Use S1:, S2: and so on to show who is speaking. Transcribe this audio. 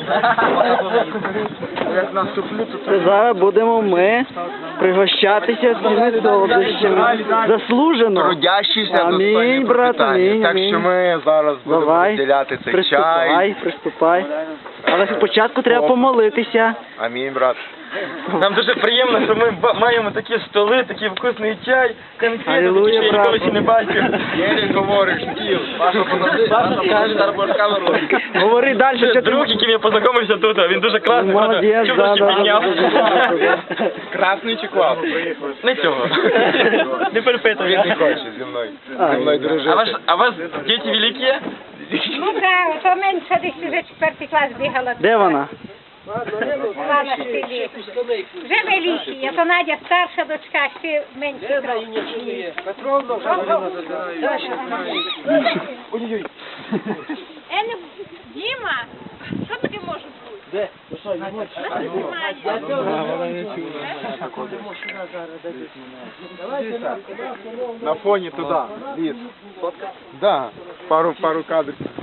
S1: Як наступлю, то
S2: Це зараз будемо ми пригощатися цими солодощами. Заслужено.
S1: трудящийся
S2: Амінь,
S1: достойний
S2: брат,
S1: пропитання.
S2: амінь,
S1: Так
S2: амінь.
S1: що ми зараз будемо
S2: Давай,
S1: розділяти цей
S2: приступай,
S1: чай.
S2: приступай. Але спочатку треба помолитися.
S1: Амінь, брат.
S3: Нам дуже приємно, що ми маємо такі столи, такий вкусний чай, конфети,
S2: Алілуя,
S3: такі, що я
S2: брат.
S3: ніколи ще не бачив.
S1: Єлі говориш, стіл. Паша,
S2: Говори далі, що
S3: Це
S2: ти...
S3: друг, яким я познайомився тут, він дуже класний,
S2: Молодець,
S3: чудо
S2: да,
S3: ще
S2: да,
S3: підняв.
S2: да.
S1: Красний чи класний?
S3: Не цього. Не перепитуй.
S1: Він не хоче зі мною. Зі мною дружити.
S3: А вас діти великі?
S4: Ну так, то менше десь вже 4 клас бігала.
S2: Де вона?
S4: Була на селі. Вже великі, а то Надя старша дочка, ще менше трохи. Діма, що таке може бути?
S1: На фоні туди. Ліс. Да. Пару кадрів.